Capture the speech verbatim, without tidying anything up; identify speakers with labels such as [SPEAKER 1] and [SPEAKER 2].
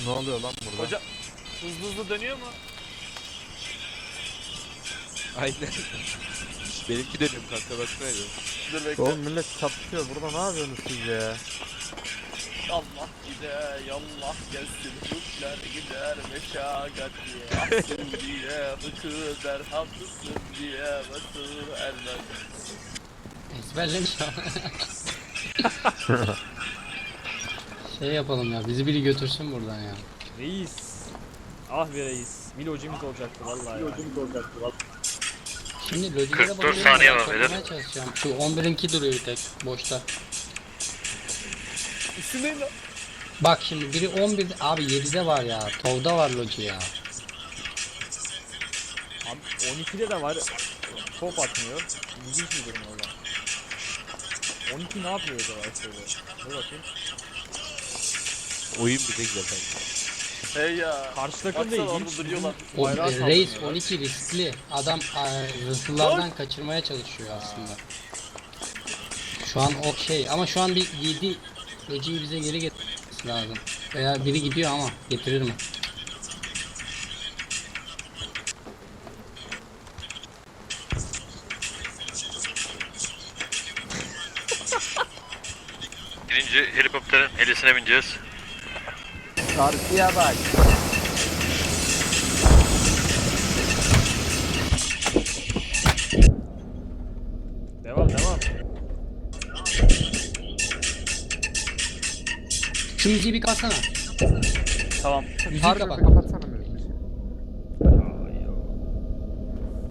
[SPEAKER 1] Ne oluyor lan burada?
[SPEAKER 2] Hoca hızlı hızlı dönüyor mu?
[SPEAKER 3] Aynen. Benimki dönüyor kanka baksana.
[SPEAKER 2] Dur bekle.
[SPEAKER 1] Oğlum millet çatışıyor. Burada ne yapıyorsunuz siz ya?
[SPEAKER 2] Allah gider, yallah gelsin, Türkler gider meşakat diye. Ahsın diye, hıkı der, haklısın diye, basır erler.
[SPEAKER 4] Ezberlemiş ama. Şey yapalım ya, bizi biri götürsün buradan ya.
[SPEAKER 5] Reis. Ah be reis. Milocimiz olacaktı vallahi ya.
[SPEAKER 4] Şimdi lojilere
[SPEAKER 6] kırk dört
[SPEAKER 4] bakıyorum,
[SPEAKER 6] saniye var
[SPEAKER 4] toplamaya
[SPEAKER 6] beyler.
[SPEAKER 4] çalışacağım. Şu on birinki duruyor bir tek, boşta.
[SPEAKER 2] Üstündeyim lan.
[SPEAKER 4] Bak şimdi biri on bir, abi yedide var ya, Tov'da var loji ya.
[SPEAKER 5] Abi on ikide de var. Top atmıyor. İlginç bir durum valla. on iki ne yapıyor acaba şöyle? Dur bakayım.
[SPEAKER 3] Oyun bize güzel kanka.
[SPEAKER 2] Hey ya.
[SPEAKER 5] Karşı takım da
[SPEAKER 2] Baksana orada
[SPEAKER 5] ilginç.
[SPEAKER 2] duruyorlar.
[SPEAKER 4] O,
[SPEAKER 5] Bayrağı
[SPEAKER 4] e, Reis
[SPEAKER 5] sallıyorlar.
[SPEAKER 4] on iki riskli. Adam e, hırsızlardan kaçırmaya çalışıyor aslında. Şu an o şey ama şu an bir yedi lojiyi bize geri getirmesi lazım. Veya biri gidiyor ama getirir mi?
[SPEAKER 6] Birinci helikopterin helisine bineceğiz.
[SPEAKER 1] Karşıya bak.
[SPEAKER 5] Devam devam.
[SPEAKER 4] Şu müziği bir kapatsana.
[SPEAKER 2] Tamam.
[SPEAKER 4] Müziği
[SPEAKER 1] Harbi
[SPEAKER 4] kapat.
[SPEAKER 1] kapat.